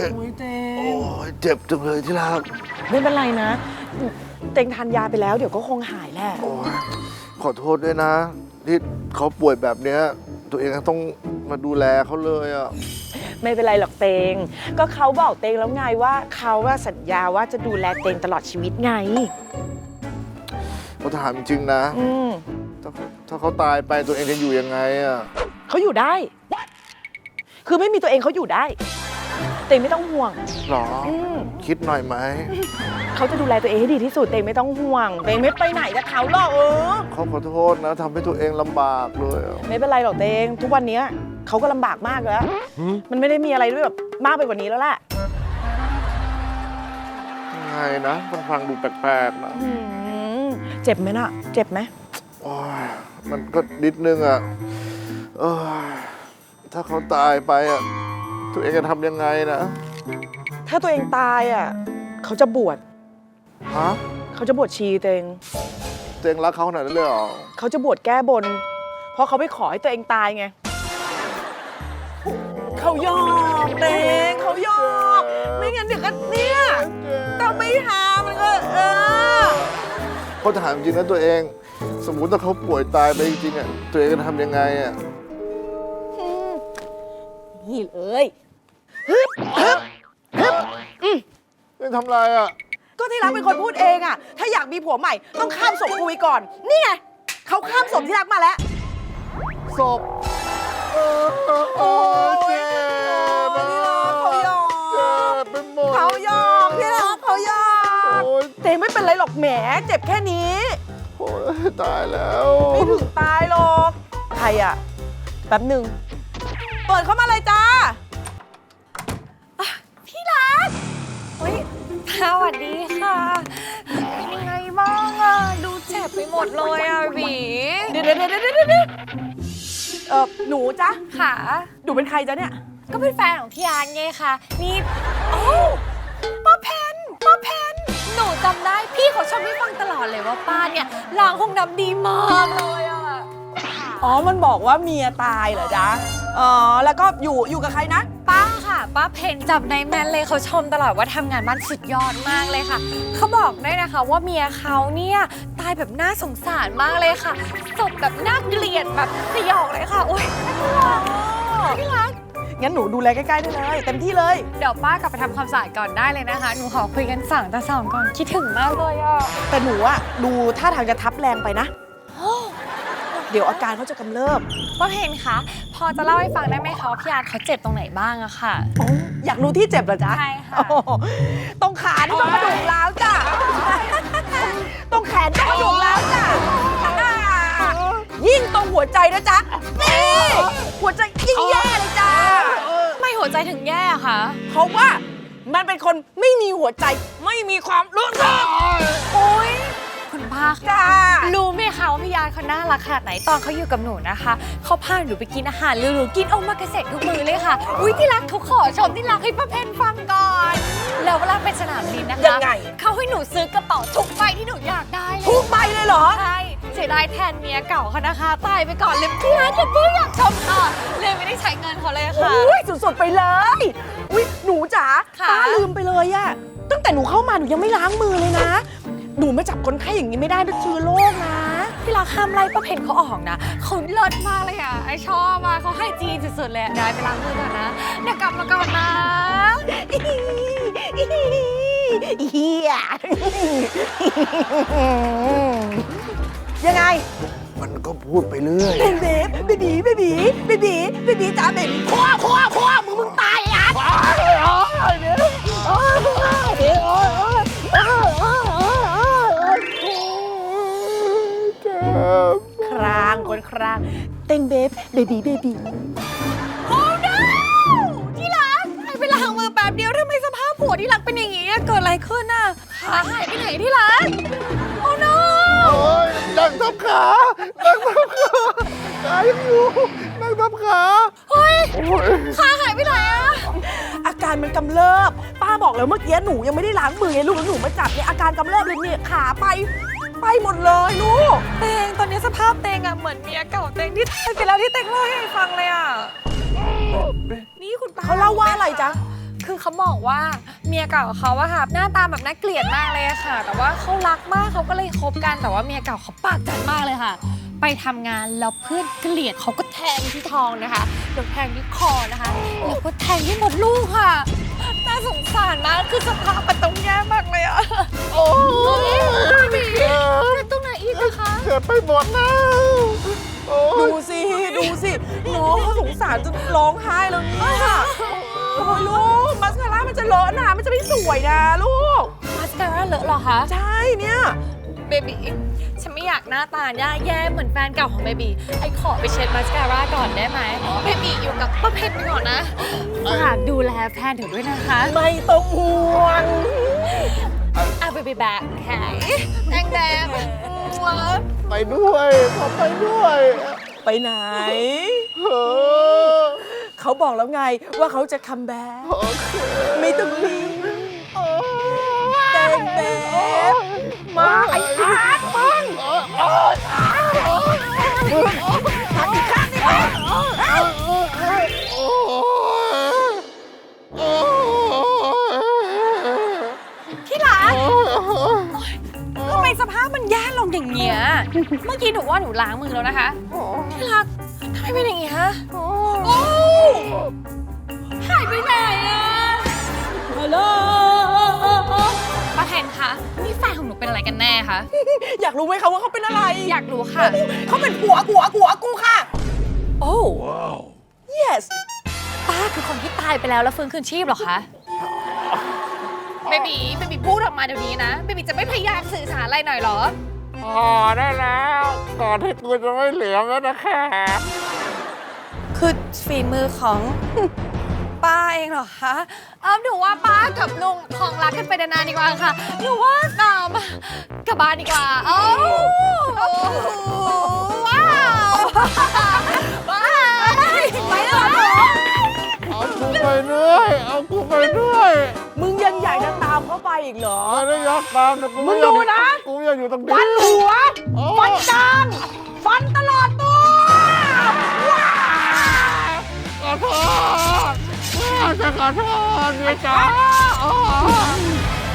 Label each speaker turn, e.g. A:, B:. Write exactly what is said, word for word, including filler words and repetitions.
A: โอ้ยเต
B: โอ้
A: ง
B: ยเจ็บจังเลยที่รัก
A: ไม่เป็นไรนะเตงทานยาไปแล้วเดี๋ยวก็คงหายแหละ
B: โอ้ยขอโทษด้วยนะที่เขาป่วยแบบเนี้ยตัวเองต้องมาดูแลเขาเลยอ่ะ
A: ไม่เป็นไรหรอกเตงก็เขาบอกเตงแล้วไงว่าเขาว่าสัญญาว่าจะดูแลเตงตลอดชีวิตไง
B: เขาถามจริงๆนะ
A: อืม
B: ถ้าถ้าเขาตายไปตัวเองจะอยู่ยังไงอ่ะ
A: เขาอยู่ได้ คือไม่มีตัวเองเขาอยู่ได้เตงไม่ต้องห่วง
B: หรอ
A: อืม
B: คิดหน่อยไหม
A: เขาจะดูแลตัวเองให้ดีที่สุดเตงไม่ต้องห่วงเตงไม่ไปไหนกับเขาหรอกเออ
B: เขาขอโทษนะทำให้ตัวเองลำบากเลยอะ
A: ไม่เป็นไรหรอกเตงทุกวันนี้เขาก็ลำบากมากแล้วมันไม่ได้มีอะไรด้วยแบบมากไปกว่านี้แล้วแหละ
B: ยังไงนะมันฟังดูแปลกๆนะ
A: อืมเจ็บไหมน่ะ เจ็บไหม
B: โอ้ยมันก็นิดนึงอ่ะเออถ้าเขาตายไปอ่ะตัวเองจะทำยังไงนะ
A: ถ้าตัวเองตายอ่ะเขาจะบวช
B: ฮะ
A: เขาจะบวชชีตัวเอง
B: ตัวเองรักเขาขนาดนั้นเลยเหรอ
A: เขาจะบวชแก้บน เพราะเขาไปขอให้ตัวเองตายไงเขายอกเตงเขายอกไม่งั้นเดี๋ยวก็เนี่ยต้องไม่หามันก็เออ
B: เขาถามจริงนะตัวเอง สมมุติถ้าเขาป่วยตายไปจริงๆอ่ะตัวเองจะทำยังไงอ่ะ
A: นี่เลยฮึบฮึบฮึบอืม
B: เองทำไรอ่ะ
A: ก็ที่รักเป็นคนพูดเองอะถ้าอยากมีผัวใหม่ต้องข้ามศพคุยก่อน นี่ไงเขาข้ามศพที่รักมาแล้ว
B: ศพเออเออเออเจ็บอะ
A: เขายอม
B: เจ็บไปหมด
A: เขายอมที่รักเขายอม
B: โอ้ย
A: เตงไม่เป็นไรหรอกแหมเจ็บแค่นี้
B: โอ้ยตายแล้ว
A: ไม่ถึงตายหรอกใครอะแป๊บหนึ่งเปิดเข้ามาเลยจ้า
C: พี่รักเฮ้ยสวัสดีค่ะเป็นยังไงบ้างอะดูเจ็บไปหมดเลยอะบี
A: เดี๋ยวเดี๋ยวเดี๋ยวเดี๋ยวเดี๋ยวเออหนูจ้ะ
C: ค่ะ
A: หนูเป็นใครจ๊ะเนี่ย
C: ก็เป็นแฟนของพี่อาร์ตไงคะนี่โอ้ป้าเพนป้าเพนหนูจำได้พี่เขาชอบให้ฟังตลอดเลยว่าป้าเนี่ยล้างห้องน้ำดีมากเลยอะ
A: อ๋อมันบอกว่าเมียตายเหรอจ๊ะอ๋อแล้วก็อยู่อยู่กับใครนะ
C: ป้าค่ะป้าเพนจำได้แม่นเลยเขาชมตลอดว่าทำงานบ้านสุดยอดมากเลยค่ะเขาบอกได้นะคะว่าเมียเขาเนี่ยตายแบบน่าสงสารมากเลยค่ะศพแบบน่าเกลียดแบบสยองเลยค่ะโอ๊ยพี่รัก
A: งั้นหนูดูแลใกล้ๆได้เลยเต็มที่เลย
C: เดี๋ยวป้ากลับไปทำความสะอาดก่อนได้เลยนะคะ หนูขอคุยกันสั่งต่อสองก่อน คิดถึงมากเลยอ่ะ
A: แต่หนูอะดูท่าทางจะทับแรงไปนะ เดี๋ยวอาการเขาจะกำเริบ
C: ป้าเพนคะ พอจะเล่าให้ฟังได้ไหมคะว่าพี่อาร์ตเขาเจ็บตรงไหนบ้างอะค่ะ
A: อยากรู้ที่เจ็บเหรอจ๊ะ
C: ใช่ค่ะ
A: โอ้โหตรงขาที่ต้องกระดูกร้าวจ้ะ ตรงแขนต้องกระดูกร้าวจ้ะ ยิ่งตรงหัวใจนะจ๊ะ นี่ หัวใจยิ่งแย่เลยจ้ะ
C: ไม่หัวใจถึงแย่อะค่ะ
A: เพราะว่ามันเป็นคนไม่มีหัวใจ ไม่มีความรู้สึก
C: โอ๊ย คุณป้า
A: จ้า
C: ค่ะรู้ไหมคะว่าพี่อาร์ตเขาน่ารักขนาดไหนตอนเขาอยู่กับหนูนะคะเขาพาหนูไปกินอาหารหรูๆกินโอมากาเสะทุกมื้อเลยค่ะ อุ้ยที่รักเขาขอชมที่รักให้ป้าเพนฟังก่อน แล้วเวลาไปสนามบินนะคะ
A: ยังไง
C: เขาให้หนูซื้อกระเป๋าทุกใบที่หนูอยากได้เลย
A: ทุกใบเลยเหรอ
C: ใช่เสียดายแทนเมียเก่าเขานะคะตายไปก่อนเลยพี่อาร์ตกับพี่อยากชมค่ะเลยไม่ได้ใช้เงินเขาเลยค่ะ
A: อุ้ยสุดๆไปเลยอุ้ยหนูจ๋า
C: ค่ะ
A: ป้าลืมไปเลยอะตั้งแต่หนูเข้ามาหนูยังไม่ล้างมือเลยนะ หนูมาจับคนไข้อย่างนี้ไม่ได้นะเชื้อโรคนะ
C: พี่รักห้ามไล่ป้าเพนเขาออกนะเขาเลิศมากเลยอ่ะไอชอบอ่ะเขาให้จีนสุดๆเลยอะได้ไปล้างมือก่อนนะเดี๋ยวกลับมาก่อนนะ
A: เฮียยังไง
B: มันก็พูดไปเรื่อย
A: เบบีเบบีเบบีเบบีเบบีจ้าเบบีพ่อพ่อพ่อมึงมึงตายอ่ะครางคนครางเต้งเบฟเบบีเบบี
C: โอ้ no ที่รักให้ไปล้างมือแป๊บเดียวทำไมสภาพผัวที่รักเป็นอย่างงี้อะเกิดอะไรขึ้นอ่ะขาหายไปไหนที่รักโอ้ no
B: โอ้ยนั่งทับขา นั่งทับขาขายังอยู่ นั่งทับขา
C: เฮ้ย
B: โอ้ย
C: ขาหายไปไหนอะ
A: อาการมันกำเริบป้าบอกแล้วเมื่อกี้หนูยังไม่ได้ล้างมือไงลูกแล้วหนูมาจับเนี่ยอาการกำเริบเลยเนี่ยขาไปไปหมดเลยลูก
C: เตงตอนนี้สภาพเตงอะเหมือนเมียเก่าเตงที่ตายไปแล้วที่เตงเล่าให้ฟังเลยอะนี่คุณป้า
A: เขาเล่าว่าอะไรจ๊ะ
C: คือเขาบอกว่าเมียเก่าเขาอะค่ะหน้าตาแบบน่าเกลียดมากเลยอะค่ะ แต่ว่าเขารักมากเขาก็เลยคบกันแต่ว่าเมียเก่าเขาปากจัดมากเลยค่ะ ไปทำงานแล้วเพื่อนเกลียดเขาก็แทงที่ท้องนะคะแล้วแทงที่คอนะคะแล้วก็แทงที่หมดลูกค่ะน่าสงสารมากคือสภาพมันต้องแย่มากเลยอะโอ้ยบีเจ็บตรงไหนอีกอะคะ
B: เจ็บไปหมดแล้วโอ้ย
A: ดูสิดูสิน้องเขาสงสารจนร้องไห้แล้วเนี่ยโอ้ยลูกมัสคาร่ามันจะเลอะนะมันจะไม่สวยนะลูก
C: มาสคาร่าเลอะเหรอคะ
A: ใช่เนี่ย
C: เบบี้ฉันไม่อยากหน้าตาแย่แย่เหมือนแฟนเก่าของเบบี้ไอขอไปเช็ดมาสคาร่าก่อนได้ไหมเบบี้อยู่กับป้าเพชรไปก่อนนะฝากดูแลแฟนถึงด้วยนะคะ
A: ไม่ต้องห่วง
C: อ่ะเบบี้แบกแขนแดงแดง
B: ไปด้วยขอไปด้วย
A: ไปไหน
B: เออ
A: เขาบอกแล้วไงว่าเขาจะคัมแบ็ค
B: โอเค
A: ไม่ต้องรีบ
B: โอ้ย
A: แต่งแบบมาไอ้อาร์ตมึง
B: โอ้ยโอ้ยโอ้ย
A: ทำอีกข้างนี่มึง
B: โอ้ยโอ้ย
C: ที่รักทำไมสภาพมันแย่ลงอย่างเงี้ยเมื่อกี้หนูว่าหนูล้างมือแล้วนะคะที่รักทำไมเป็นอย่างงี้ฮะโอ้หายไปไหนอะฮัลโหลป้าแทนคะนี่แฟนของหนูเป็นอะไรกันแน่คะ
A: อยากรู้ไหมคะว่าเขาเป็นอะไร
C: อยากรู้ค่ะ
A: เขาเป็นผัวผัวผัวกูค่ะ โอ้ yes
C: ป้าคือคนที่ตายไปแล้วแล้วฟื้นคืนชีพเหรอคะเบบีเบบีพูดออกมาเดี๋ยวนี้นะเบบีจะไม่พยายามสื่อสารอะไรหน่อยเหรอ
B: พอได้แล้วก่อนที่กูจะไม่เหลือแล้วนะคะ
C: คือฝีมือของ ป้าเองเหรอคะเออหนูว่าป้ากับลุงของรักกันไปนานๆดีกว่าค่ะหนูว่าตามกลับบ้านดีกว่าเอ้าว้าวว้าวไปแล้วเหรอ
B: เอากูไปด้วยเอากูไปด้วย
A: มึงยังอยากจะตามเขาไปอีกเหรอ
B: ไม่ได้อยากตามแต่กู
A: มึง
B: ไอยาก
A: ดูนะ
B: กูอยากอยู่ตรงนี้
A: ฟันหัว
B: โอ้
A: ฟันกลางฟันตลอดตัวว้า
B: ขอโทษจะขอโทษเมียจ๋า